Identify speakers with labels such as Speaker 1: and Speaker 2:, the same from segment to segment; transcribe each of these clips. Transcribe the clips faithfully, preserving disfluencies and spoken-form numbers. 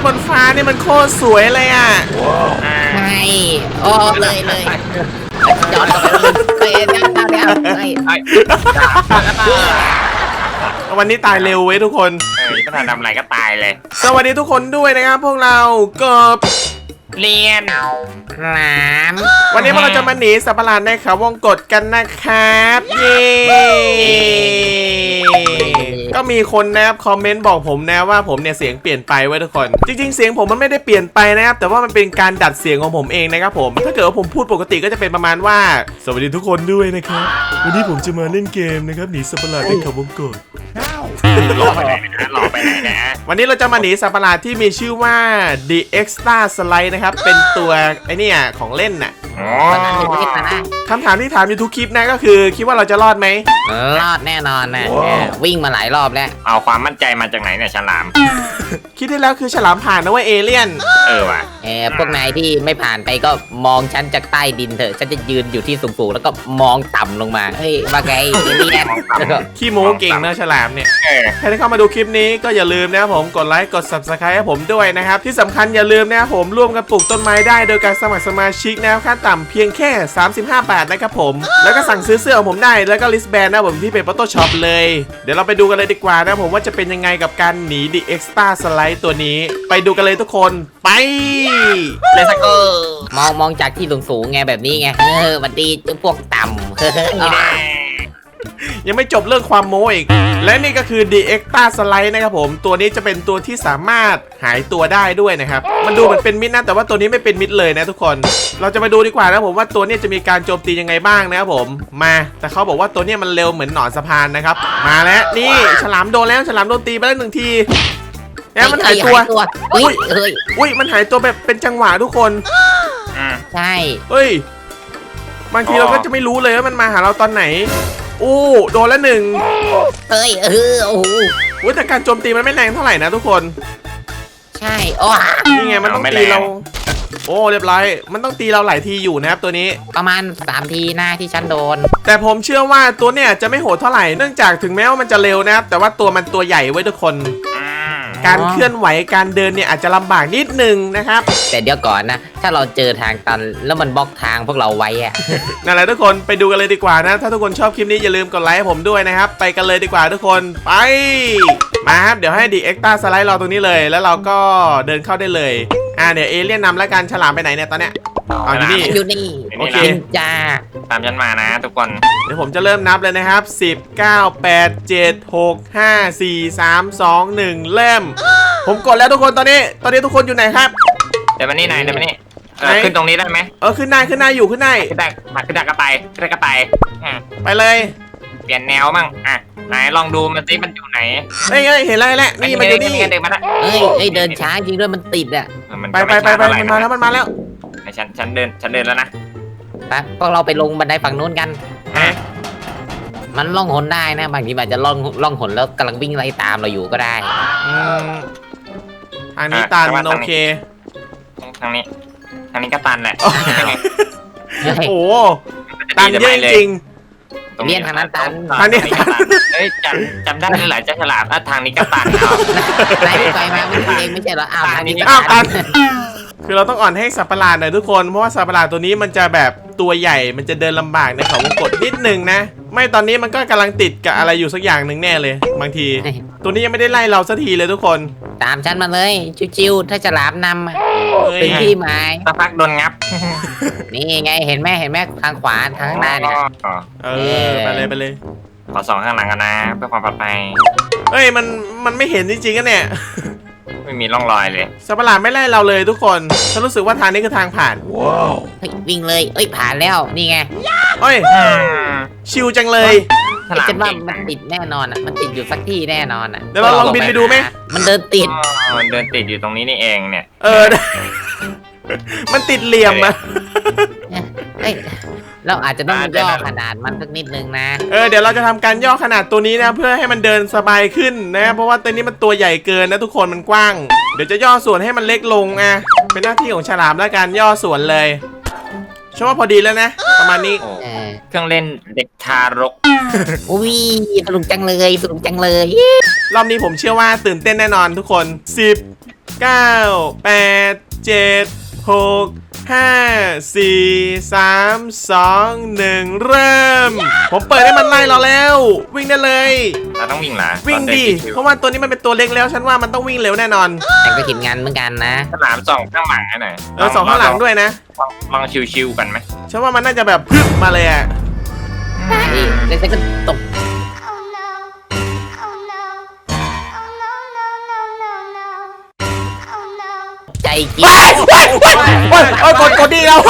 Speaker 1: บนฟ้านี่มันโคตรสวยเลยอ่ะ
Speaker 2: ใช่โอ้เลยเลยย้อนกลับไปเลยเดี๋ยวเดี๋ยวเดี๋ยวเฮ้ย
Speaker 1: วันนี้ตายเร็วเว้ยทุกคน
Speaker 3: เออก็ทำอะไรก็ตายเลย
Speaker 1: สวัสดีทุกคนด้วยนะครับพวกเรากบ
Speaker 3: เรียน
Speaker 2: ครับ
Speaker 1: วันนี้พวกเราจะมาหนีสัตว์ประหลาดในเขาวงกตกันนะครับเย้ก็มีคนนะครับคอมเมนต์บอกผมนะว่าผมเนี่ยเสียงเปลี่ยนไปไว้ทุกคนจริงๆเสียงผมมันไม่ได้เปลี่ยนไปนะครับแต่ว่ามันเป็นการดัดเสียงของผมเองนะครับผมถ้าเกิดว่าผมพูดปกติก็จะเป็นประมาณว่าสวัสดีทุกคนด้วยนะครับวันนี้ผมจะมาเล่นเกมนะครับหนีสัตว์ประหลาดในเขาวงกต
Speaker 3: หลอกไปไหนนะหลอกไปไหนนะ
Speaker 1: วันนี้เราจะมาหนีสัตว์ประหลาดที่มีชื่อว่า The Extra Slide นะครับเป็นตัวไอเนี่ยของเล่นน่ะ
Speaker 3: อ๋อ
Speaker 2: วันนั้นมีดมานะ
Speaker 1: คำถามที่ถามอยู่ทุกคลิปนะก็คือคิดว่าเราจะรอดไหม
Speaker 2: รอดแน่นอนนะเนี่ยวิ่งมาหลายรอบแล้ว
Speaker 3: เอาความมั่นใจมาจากไหนเนี่ยฉลาม
Speaker 1: คิดได้แล้วคือฉลามผ่านนะเว่าเอเลี่ยน
Speaker 3: เออว่ะ
Speaker 2: เออพวกนายที่ไม่ผ่านไปก็มองฉันจากใต้ดินเถอะฉันจะยืนอยู่ที่สูงๆแล้วก็มองต่ำลงมาเฮ้ยว่าไงเอเลี่ยนแล้วก็
Speaker 1: ขี้โม้เก่งนะฉลามเนี่ย
Speaker 3: เออ
Speaker 1: ใครที่เข้ามาดูคลิปนี้ก็อย่าลืมนะครับผมกดไลค์กด ซับสไครบ์ ให้ผมด้วยนะครับที่สำคัญอย่าลืมนะครับผมร่วมกันปลูกต้นไม้ได้โดยการสมัครสมาชิกนะครับขั้นต่ำเพียงแค่สามสิบห้าบาทนะครับผมแล้วก็สั่งซื้อเสื้อของผมได้แล้วก็ลิสต์แบนนะผมที่เป็น Photoshop เลยเดี๋ยวเราไปดูกันเลยดีกว่านะผมว่าจะเป็นยังไงกับการหนี The Extra Slide ตัวนี้ไปดูกันเลยทุกคนไป
Speaker 3: เลสโก้
Speaker 2: มองมองจากที่สูงๆไงแบบนี้ไงเออวันดีพวกต่ำเฮ้ย
Speaker 3: นี่แน่
Speaker 1: ยังไม่จบเรื่องความโม้อีกและนี่ก็คือ The Extra Slide นะครับผมตัวนี้จะเป็นตัวที่สามารถหายตัวได้ด้วยนะครับมันดูเหมือนเป็นมิดนะแต่ว่าตัวนี้ไม่เป็นมิดเลยนะทุกคนเราจะมาดูดีกว่านะผมว่าตัวนี้จะมีการโจมตียังไงบ้างนะครับผมมาแต่เขาบอกว่าตัวนี้มันเร็วเหมือนหนอนสะพานนะครับมาแล้วนี่ฉลามโดนแล้วฉลามโดนตีไปแล้วหนึ่งทีแล้วมันหายตัว
Speaker 2: อุ้ยเฮ้ย
Speaker 1: อุ้ยมันหายตัวแบบเป็นจังหวะทุกคน
Speaker 3: อืม
Speaker 2: ใช่
Speaker 1: เฮ้ยบางทีเราก็จะไม่รู้เลยว่ามันมาหาเราตอนไหนอู้โดนแล้วหนึ่ง
Speaker 2: เฮ้ยเออโอ้โห
Speaker 1: อุ้ยแต่การโจมตีมันไม่แรงเท่าไหร่นะทุกคน
Speaker 2: ใช่โอ้
Speaker 1: นี่ไงมันต้องตีเราโอ้เรียบร้อยมันต้องตีเราหลายทีอยู่นะครับตัวนี้
Speaker 2: ประมาณสามทีหน้าที่ฉันโดน
Speaker 1: แต่ผมเชื่อว่าตัวเนี่ยจะไม่โหดเท่าไหร่เนื่องจากถึงแม้ว่ามันจะเร็วนะครับแต่ว่าตัวมันตัวใหญ่ไว้ทุกคน
Speaker 3: อืม
Speaker 1: การเคลื่อนไหวการเดินเนี่ยอาจจะลำบากนิดนึงนะครับ
Speaker 2: แต่เดี๋ยวก่อนนะ ถ้าเราเจอทางตันแล้วมันบล็อกทางพวกเราไว้อะ
Speaker 1: นั่นแหละทุกคนไปดูกันเลยดีกว่านะถ้าทุกคนชอบคลิปนี้อย่าลืมกดไลค์ให้ผมด้วยนะครับไปกันเลยดีกว่าทุกคนไปมาครับเดี๋ยวให้ดีเอ็กซ์ต้าสไลด์รอตรงนี้เลยแล้วเราก็เดินเข้าได้เลยอ่าเดี๋ยวเอเลี่ยนนำแล้วกันฉลามไปไหนเนี่ยตอนเนี้ยอ๋ออยู่นี่
Speaker 2: อยู่นี่
Speaker 1: โอเค
Speaker 2: กินจ้า
Speaker 3: ตามฉันมานะทุกคน
Speaker 1: เดี๋ยวผมจะเริ่มนับเลยนะครับสิบ เก้า แปด เจ็ด หก ห้า สี่ สาม สอง หนึ่งเริ่มผมกดแล้วทุกคนตอนนี้ตอนนี้ทุกคนอยู่ไหนครับ
Speaker 3: เดี๋ยวมานี่ไหนเดี๋ยวมานี่เออ
Speaker 1: ไหน
Speaker 3: ขึ้นตรงนี้ได้ไหม
Speaker 1: เออขึ้นได้ขึ้นได้อยู่ขึ้นได้
Speaker 3: ขึ้นได้มาขึ้นได้ก็ไปขึ้นได้ก็ไปอ่ะ
Speaker 1: ไปเลย
Speaker 3: เปลี่ยนแนวมั่งอ่ะไหนลองดูมันสิมันอยู่ไหน
Speaker 1: เฮ้ยเฮ้ยเห็นแล้วเห็นแล้วนี่มันอยู่นี่
Speaker 3: เดินมาละ
Speaker 2: เอ้ยเอ้ยเดินช้าจริงด้วยมันติดอะ
Speaker 3: เออมัน
Speaker 1: ไป
Speaker 3: ก็
Speaker 1: ไปไปไป
Speaker 3: ช้
Speaker 1: มันมาแล้วมันมาแล้ว
Speaker 3: ไอ้ฉันฉันเดินฉันเดินแล้วนะ
Speaker 2: ไปพวกเราไปลงบันไดฝั่งนู้นกัน
Speaker 3: อ่ะ
Speaker 2: มันล่องหนได้นะ บางทีมันอาจจะล่องล่องหนแล้วกำลังวิ่งไล่ตามเราอยู่ก็ได้
Speaker 1: อืมทางนี้ตันโอเค
Speaker 3: ทางนี้ทางนี้ก็ตันแหละ
Speaker 2: เฮ้ย
Speaker 1: โอ้โหตันเยอะจริง
Speaker 3: ตรง
Speaker 2: เลี่ยนทางนั้นตัน
Speaker 1: ทางนี้ตัน
Speaker 3: เอ้ยจำจำได้เลยหลายเจ้าฉลามอ่ะทางนี้ก็ตันเอา
Speaker 2: นายไปมาเมื่อกี้เองไม่ใช่เหรออ้าวทางนี้
Speaker 1: อ้าวตัน คือเราต้องอ่อนให้สัตว์ประหลาดหน่อยทุกคนเพราะว่าสัตว์ประหลาดตัวนี้มันจะแบบตัวใหญ่มันจะเดินลำบากในเขาวงกตนิดนึงนะ ไม่ตอนนี้มันก็กำลังติดกับอะไรอยู่สักอย่างหนึ่งแน่เลยบางที ตัวนี้ยังไม่ได้ไล่เราสักทีเลยทุกคน
Speaker 2: ตามฉันมาเลยชิวๆถ้าจะหลามนำอะ
Speaker 1: เฮ้ย
Speaker 2: เป็นที่หมาย
Speaker 3: สักพักโดนงับ
Speaker 2: นี่ไงเห็นไหมเห็นไหมทางขวาทางข้างหน้าเนี่ย
Speaker 3: อ๋อ
Speaker 1: เออไปเลยไปเลย
Speaker 3: ขอสองข้างหลังกันนะเพื่อความปลอดภัย
Speaker 1: เอ้ยมันมันไม่เห็นจริงๆกันเนี่ย
Speaker 3: ไม่มีร่องรอยเลย
Speaker 1: สัตว์ประหลาดไม่ไล่เราเลยทุกคนฉันรู้สึกว่าทางนี้คือทางผ่าน
Speaker 2: เฮ้ยวิ่งเลยเอ้ยผ่านแล้วนี่ไง
Speaker 1: เอ้ย
Speaker 3: อืม
Speaker 1: ชิวจังเลย
Speaker 3: ฉลาม
Speaker 2: ฉันว่า
Speaker 3: เก่ง
Speaker 2: มันติดแน่นอนอ่ะมันติดอยู่สักที่แน่นอนอ่ะ
Speaker 1: เดี๋ยวเราลองบินไปดูไหม
Speaker 2: มันเดินติด
Speaker 3: อ๋อมันเดินติดอยู่ตรงนี้นี่เองเนี่ย
Speaker 1: เออ มันติดเหลี่ยมอะ
Speaker 2: เอ้ยเราอาจจะต้องย่อขนาดมันสักนิดนึงนะ
Speaker 1: เออเดี๋ยวเราจะทำการย่อขนาดตัวนี้นะเพื่อให้มันเดินสบายขึ้นนะเพราะว่าตัวนี้มันตัวใหญ่เกินนะทุกคนมันกว้างเดี๋ยวจะย่อส่วนให้มันเล็กลงอ่ะเป็นหน้าที่ของฉลามและการย่อส่วนเลยฉันว่าพอดีแล้วนะประมาณนี้
Speaker 3: โอ้
Speaker 2: เออ
Speaker 3: เครื่องเล่นเด็กทารก
Speaker 2: อุ้ยสนุกจังเลยสนุกจังเลย
Speaker 1: รอบนี้ผมเชื่อว่าตื่นเต้นแน่นอนทุกคนสิบเก้า แปด เจ็ด หก ห้า สี่ สาม สอง หนึ่งเริ่ม ผมเปิดให้มันไล่เราแล้ว วิ่งได้เลย
Speaker 3: เราต้องวิ่งเหรอ
Speaker 1: วิ่งดิเพราะว่าตัวนี้มันเป็นตัวเล็กแล้วฉันว่ามันต้องวิ่งเร็วแน่นอน
Speaker 2: แต่ก็กินงานเหมือนกันนะ
Speaker 3: ฉลามส่องข้างหลังให้หน่อย
Speaker 1: เออสองข้างหลังด้วยนะ
Speaker 3: ลองลองชิวๆกันไหม
Speaker 1: ฉันว่ามันน่าจะแบบพึบมาเลยอะ
Speaker 2: ใช่แล้วฉันก็ตก
Speaker 4: Oh no. Oh no. Oh no, no, no, no, no. Oh no.
Speaker 2: ใจกิน
Speaker 1: ว้ายว้ายว้ายว้ายโอ้ยกดกดดีแล้ว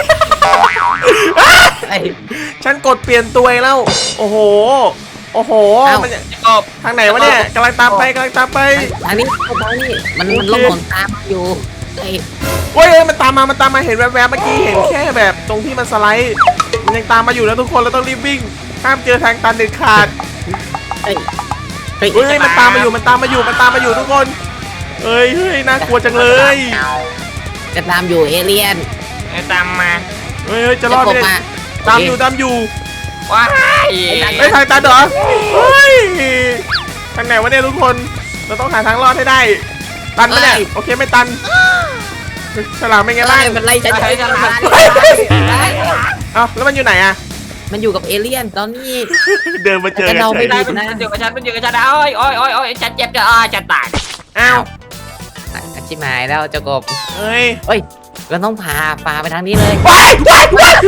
Speaker 2: ไอ้
Speaker 1: ฉันกดเปลี่ยนตัวเองแล้ว โอ้โห โอ้โห มัน
Speaker 3: ก็
Speaker 1: ทางไหนวะเนี่ยกำลังตามไปกำลังตามไป
Speaker 2: ทางนี้ทางนี้มันมันลงหนตามอยู่ไอ้
Speaker 1: เว้ยเอ้ยมันตามมา มันตามมาเห็นแวบๆเมื่อกี้เห็นแค่แบบตรงที่มันสไลด์ มันยังตามมาอยู่แล้วทุกคนเราต้องรีบวิ่ง ห้ามเจอทางตันเด็ดขาด
Speaker 2: ไอ้เฮ้ย
Speaker 1: เฮ้ยมันตามมาอยู่ มันตามมาอยู่ มันตามมาอยู่ทุกคน เฮ้ยเฮ้ยน่ากลัวจังเลย
Speaker 2: จะตามอยู่เอเลี่ยน
Speaker 3: ไอ้ตามมา
Speaker 1: เฮ้ยเฮ้ยจะรอด
Speaker 2: จะ
Speaker 1: ไหม
Speaker 2: กบ
Speaker 1: เนี่ย
Speaker 2: มา
Speaker 1: ตามอยู่ตามอยู่
Speaker 3: ว้าย
Speaker 1: เฮ้ยทางตันเหรอ เฮ้ย ทางไหนวะเนี่ยทุกคน เราต้องหาทางรอดให้ได้ ตันปะเนี่ย โอเคไม่ตัน ฉลามเป็นไงบ้าง
Speaker 2: เอ้ยมันไล่ฉัน
Speaker 3: ไอ้ฉลาม
Speaker 1: เอ้าแล้วมันอยู่ไหนอะ
Speaker 2: มันอยู่กับเอเลี่ยนตอนนี้
Speaker 1: เดินมาเจอกัน
Speaker 2: แต่เรา
Speaker 1: เฉ
Speaker 2: ไม่
Speaker 1: ย
Speaker 2: ได้
Speaker 3: มันมันอยู่กับฉันมันอยู่กับฉันโอ้ยโอ้ยโอ้ยโอ้ยฉันเจ็บจะอ้าจะตาย
Speaker 1: อ้าว
Speaker 2: อาชิบหายแล้วเจ้ากบ
Speaker 1: เฮ้ย
Speaker 2: เฮ้ยเราต้องพาปลาไปทางนี้เลย
Speaker 1: ว้ายว้ายว้าย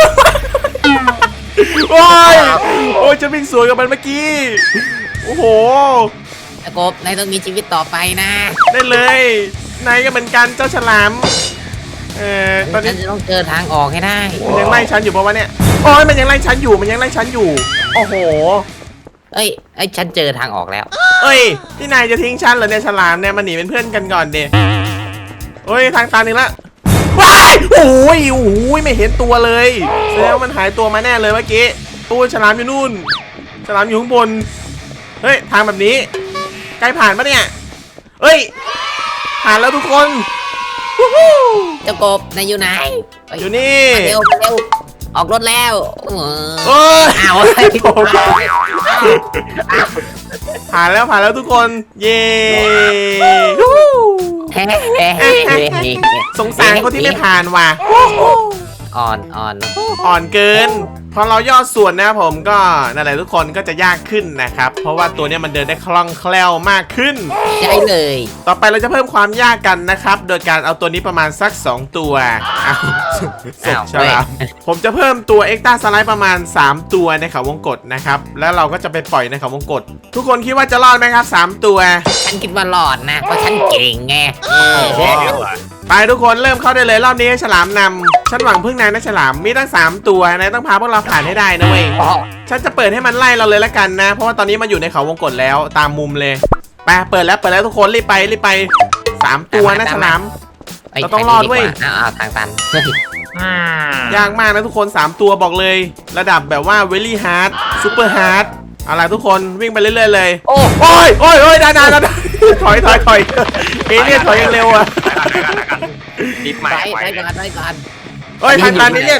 Speaker 1: ว้ายโอ้ยจะวิ่งสวนกับมันเมื่อกี้ โอ้โห
Speaker 2: เจ้ากบนายต้องมีชีวิตต่อไปนะ
Speaker 1: ได้เลยนายก็เหมือนกันเจ้าฉลาม เอ่อ ตอน
Speaker 2: ฉั
Speaker 1: นี้
Speaker 2: นจะต้องเจอทางออกให้ได้
Speaker 1: มันยังไล่ฉันอยู่ปะวะเนี่ย โอ้ยมันยังไล่ฉันอยู่ มันยังไล่ฉันอยู่ โอ้โห
Speaker 2: เอ้ยไอ้ยฉันเจอทางออกแล้ว
Speaker 1: เอ้ยนี่นายจะทิ้งฉันเหรอเนี่ยฉลามเนี่ยมาหนีเป็นเพื่อนกันก่อนเดเฮ้ยทางตันหนึ่งละว้ายโอ้ยโอ้ยไม่เห็นตัวเลยแสดงว่ามันหายตัวมาแน่เลยเมื่อกี้โอ้ยฉลามอยู่นู่น ฉลามอยู่ข้างบน เฮ้ยทางแบบนี้ใกล้ผ่านปะเนี่ยเอ้ยผ่านแล้วทุกคนวู้ฮู้
Speaker 2: เจ้ากบนายอยู่ไหนเฮ้ย
Speaker 1: อยู่นี่
Speaker 2: มาเร็วมาเร็วออกรถแล้วเออ
Speaker 1: เอ้ย
Speaker 2: อ้าว
Speaker 1: ผ่านแล้วผ่านแล้วทุกคนเย้วู้ฮู้
Speaker 2: เฮ้เฮ้เฮ้เฮ้
Speaker 1: สงสารคนที่ไม่ผ่านว่ะ
Speaker 2: อ่อนอ่อน
Speaker 1: อ่อนเกิน พอเราย่อส่วนนะครับผมก็นั่นแหละทุกคนก็จะยากขึ้นนะครับ เพราะว่าตัวเนี้ยมันเดินได้คล่องแคล่วมากขึ้น
Speaker 2: ใช่เลย
Speaker 1: ต่อไปเราจะเพิ่มความยากกันนะครับ โดยการเอาตัวนี้ประมาณสัก สอง ตัวอ้าวศพฉลามผมจะเพิ่มตัวเอ็กต้าสไลด์ประมาณ สาม ตัวในเขาวงกตนะครับ แล้วเราก็จะไปปล่อยในเขาวงกตทุกคนคิดว่าจะรอดไหมครับ สาม ตัว
Speaker 2: ฉันคิดว่าหลอดนะเพราะฉันเก่งไงเออ
Speaker 3: โอ้ย
Speaker 1: ไปทุกคนเริ่มเข้าได้เลยรอบนี้ให้ฉลามนำฉันหวังพึ่งนายนะฉลามมีตั้ง สาม ตัวนายต้องพาพวกเราผ่านให้ได้นะเว้ย
Speaker 2: อ๋อ
Speaker 1: ฉันจะเปิดให้มันไล่เราเลยละกันนะ เพราะว่าตอนนี้มันอยู่ในเขาวงกตแล้วตามมุมเลยไปเปิดแล้วเปิดแล้วทุกคนรีบไปรีบไปสามตัวนะฉลาม
Speaker 2: ไ
Speaker 1: เราต้องรอดเว้ย
Speaker 2: ทางนี้กาอ้าวทางตันเฮ้ย
Speaker 3: อืม
Speaker 1: ยากมากนะทุกคน สาม ตัวบอกเลย ระดับแบบว่าเวลี่ฮาร์ดซูเปอร์ฮาร์ดเอาล่ะทุกคนวิ่งไปเรื่อยๆเลย
Speaker 2: โอ้
Speaker 1: โอ้ยโอ้ยโอ้ยดานาดานาถอยถอยถอยเอเลี่ยนถอยยังเร็วอ่ะ
Speaker 3: รีบมา
Speaker 2: ไป
Speaker 3: ไป
Speaker 2: ไปก่อนไปก่อน
Speaker 1: เอ้ยทางตันเอเลี่ยน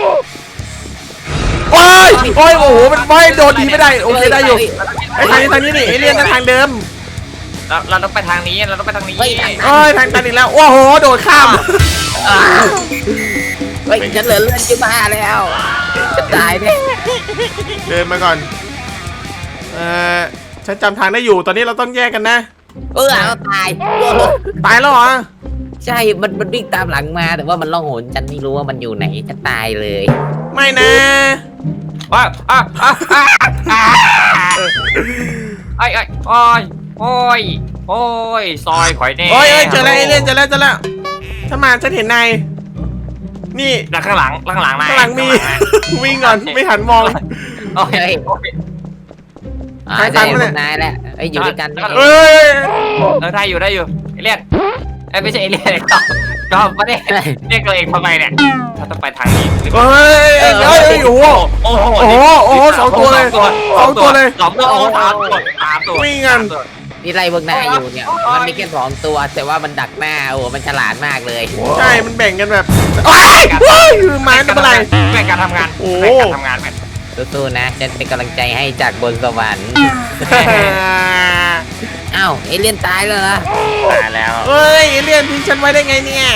Speaker 1: โอ้ยโอ้ยโอ้โหมันไม่โดนดีไม่ได้โอเคได้อยู่ไอ้ทางนี้ทางนี้นี่เอเลี่ยนก็ทางเดิม
Speaker 3: เราเราต้องไปทางนี้เราต้องไปทางนี้
Speaker 2: เฮ้ยทางตัน
Speaker 1: เอ้ยทางตันอีกแล้วโอ้โหโดดข้าม
Speaker 2: อ้าวเฮ้ยฉันเหลือเลือดจะบ้าแล้วจะตายเนี่ย
Speaker 1: เดินมาก่อนเออฉันจำทางได้อยู่ตอนนี้เราต้องแยกกันนะ
Speaker 2: เออเอาตายเออ
Speaker 1: ตายแล้วเหรอ
Speaker 2: ใช่มันมันวิ่งตามหลังมา แต่ว่ามันล่องหนฉันไม่รู้ว่ามันอยู่ไหนจะตายเลย
Speaker 1: ไม่นะ
Speaker 3: อ้าวอ้าวอ้าวอ้าวอ้าวไอ้ไอ้โอ้ยโอ้ยโอ้ยซอยข่อยแน่
Speaker 1: โอ้ยเอ้ยเจอแล้วเอเลี่ยนเจอแล้วเจอแล้วถ้ามาฉันเห็นนายนี่
Speaker 3: แล้วข้างหลังข้างหลังนะ
Speaker 1: ข้างหลังมี วิ่งก่อนไม่หันมอง
Speaker 3: โอ้ยโอ้ย
Speaker 2: อ่า
Speaker 1: ทางตั
Speaker 2: ได้
Speaker 1: น
Speaker 2: พ
Speaker 1: ปะเนี่
Speaker 2: วย กนายแหละไอ้ยอยู่ด้วยกัน
Speaker 3: แล้วก็
Speaker 1: เอ้ย
Speaker 3: เออได้อยู่ได้อยู่เอเลี่ยนเอ้ยไม่ใช่เอเลี่ยนก็ก็ไม่ได้เรียกตัวเองทำไมเนี่ยเราต้องไปทางนี้
Speaker 1: เอ้ยเอ้ยเอ้ยโอ้โห
Speaker 3: โอ้โห
Speaker 1: โอ้โหโอ้โหสองตัวเลยสองตัวเลย
Speaker 3: สองตัวโอ้สามตัวสามตัว
Speaker 1: วิ่งกัน
Speaker 3: สามตัว
Speaker 2: นี่ไล่พวกนายอยู่เนี่ยมันมีแค่สองตัว แต่ว่ามันดักหน้าโอ้โหมันฉลาดมากเลย
Speaker 1: ใช่มันแบ่งกันแบบโอ้ยโอ้ยไม้ทำอะไร
Speaker 3: แบ่งการทำงาน
Speaker 1: โอ้
Speaker 3: แบ่งการทำงานแบ่ง
Speaker 2: สู้ๆนะฉันเป็นกำลังใจให้จากบนสวรรค์อ้าวเอเลี่ยนตายเลยเหรอ
Speaker 3: ตายแล้ว
Speaker 1: เฮ้ยเอเลี่ยนทิ้งฉันไว้ได้ไงเนี่ย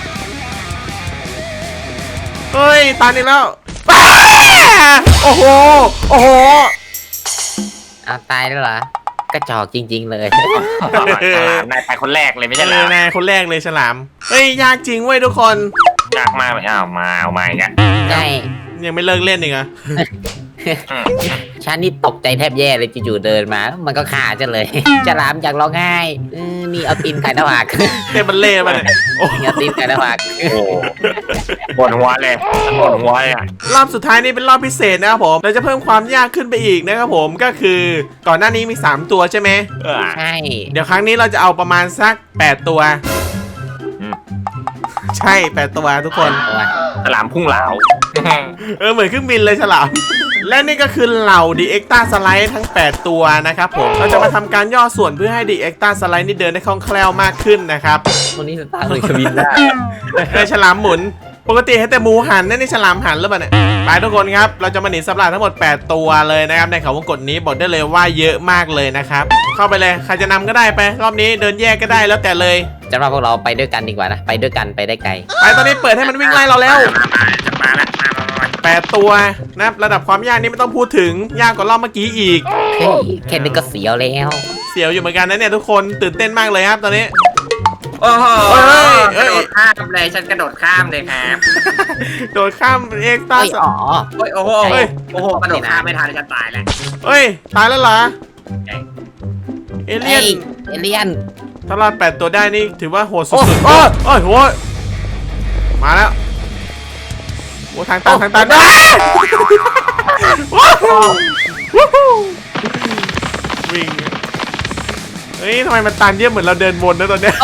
Speaker 1: เฮ้ยตายอีกแล้วอ้าโอ้โหโอ้โห
Speaker 2: อ้าวตายแล้วเหรอ กระจอกจริง ๆ เลย
Speaker 3: นายตายคนแรกเลยไม่ใช่เหร
Speaker 1: เอ
Speaker 3: อ
Speaker 1: อนายคนแรกเลยฉลามเฮ้ยยากจริงเว้ยทุกคน
Speaker 3: ยากมากเลยอ้าวมาเอามาอีกอ่ะ
Speaker 2: ใช่
Speaker 1: ยังไม่เลิกเล่นอีกเหรอ
Speaker 2: ฉันนี่ตกใจแทบแย่เลยจู่ๆเดินมาแล้วมันก็ฆ่าฉันเลย ฉลามอยากร้องไห้เออนี่เอาตีนไก่หน้าผาก
Speaker 1: เต้นบัลเล่ต์มาเนี่ยโอ้
Speaker 2: นี่เอาตีนไก่หน้าผาก
Speaker 3: โอ้ปวดหัวเลยปวดหัวเลยอ่ะ
Speaker 1: รอบสุดท้ายนี้เป็นรอบพิเศษนะครับผมเราจะเพิ่มความยากขึ้นไปอีกนะครับผมก็คือก่อนหน้านี้มีสามตัวใช่ไหม
Speaker 3: เออ
Speaker 2: ใช่
Speaker 1: เดี๋ยวครั้งนี้เราจะเอาประมาณสักแปดตัว
Speaker 3: อืม
Speaker 1: ใช่แปดตัวทุกคน
Speaker 2: ตัว
Speaker 3: ฉลามพุ่งเหลา
Speaker 1: เออเหมือนเครื่องบินเลยฉลาม และนี่ก็คือเหล่าดีเอ็กต้าสไลด์ทั้งแปดตัวนะครับผมเราจะมาทำการย่อส่วนเพื่อให้ดีเอ็กต้าสไลด์นี่เดินได้คล่องแคล่วมากขึ้นนะครับ
Speaker 2: ตัวนี้สตาร์ทเลยเครื่องบินได้
Speaker 1: ในฉลามหมุนปกติให้แต่หมูหันนั่นนี่ฉลามหันหรือเปล่าเนี่ยไปทุกคนครับเราจะมาหนีสัตว์ประหลาดทั้งหมดแปดตัวเลยนะครับในเขาวงกตนี้บอกได้เลยว่าเยอะมากเลยนะครับเข้าไปเลยใครจะนำก็ได้ไปรอบนี้เดินแยกก็ได้แล้วแต่เลย
Speaker 2: จะว่าพวกเราไปด้วยกันดีกว่านะ ไปด้วยกันไปได้ไกล
Speaker 1: ไปตอนนี้เปิดให้มันวิ่งไล่เราแล้ว
Speaker 3: จะมาละมามามา
Speaker 1: แปดตัวนะครับระดับความยากนี่ไม่ต้องพูดถึงยากกว่ารอบเมื่อกี้อีก
Speaker 2: เฮ้ยแค่นี้ก็เสียวแล้ว
Speaker 1: เสียวอยู่เหมือนกันนะเนี่ยทุกคนตื่นเต้นมากเลยครับตอนนี้
Speaker 3: โอ้โห
Speaker 1: เฮ้ย
Speaker 3: ก
Speaker 1: เฮ้
Speaker 3: ระ
Speaker 1: ย
Speaker 3: โดดข้ามเลยฉันกระโดดข้ามเลยครับ
Speaker 1: โดดข้ามเอ็กซ์ต้า
Speaker 2: เฮ้ยอ๋อ
Speaker 3: โอ้ยโอ้โห
Speaker 1: เฮ้ย
Speaker 3: โอ้โหกระโดดข้ามไม่ทันฉันตายแล้ว
Speaker 1: เฮ้ยตายแล้วเหรอเอเลี่ยน
Speaker 2: เฮ้ยเอเลี่ยน
Speaker 1: ถ้ารอดแปดตัวได้นี่ถือว่าโหดสุดๆโอ้ยโอ้ยโหดมาแล้วโอ้ทางตันทางตันได้ว้าววู้ฮู้วิ่งเฮ้ยทำไมมันตันเยอะเหมือนเราเดินวนนะตอนเนี้ย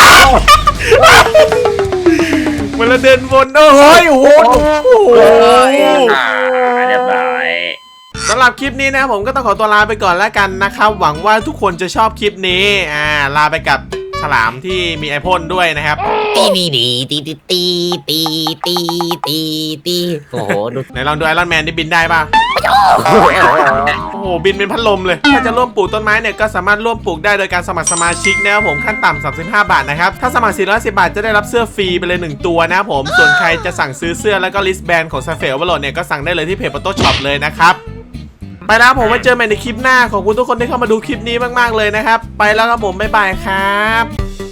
Speaker 1: เหมือนเราเดินวนโอ้โหโอ้โหโอ้โห
Speaker 3: อ่าเรียบร้อย
Speaker 1: สำหรับคลิปนี้นะครับผมก็ต้องขอตัวลาไปก่อนแล้วกันนะครับหวังว่าทุกคนจะชอบคลิปนี้อ่าลาไปกับฉลามที่มีไอพ่นด้วยนะครับ
Speaker 2: ตีนีดีตีตีตีตีตีตีตีโอ้โหดู
Speaker 1: ไหนลองดูไอรอนแมนที่บินได้ป่ะโอ้โหบินเป็นพัดลมเลย ถ้าจะร่วมปลูกต้นไม้เนี่ยก็สามารถร่วมปลูกได้โดยการสมัครสมาชิกนะครับผมขั้นต่ำสามสิบห้าบาทนะครับถ้าสมัครสี่ร้อยสิบบาทจะได้รับเสื้อฟรีไปเลยหนึ่งตัวนะครับผมส่วนใครจะสั่งซื้อเสื้อแล้วก็ลิสต์แบรนด์ของซาเฟลวอลโลเนี่ยก็สั่งได้เลยที่เพจปโต้ช็อปเลยนะครับไปแล้วผมไว้เจอกันในคลิปหน้าขอบคุณทุกคนที่เข้ามาดูคลิปนี้มากๆเลยนะครับไปแล้วครับผมบ๊ายบายครับ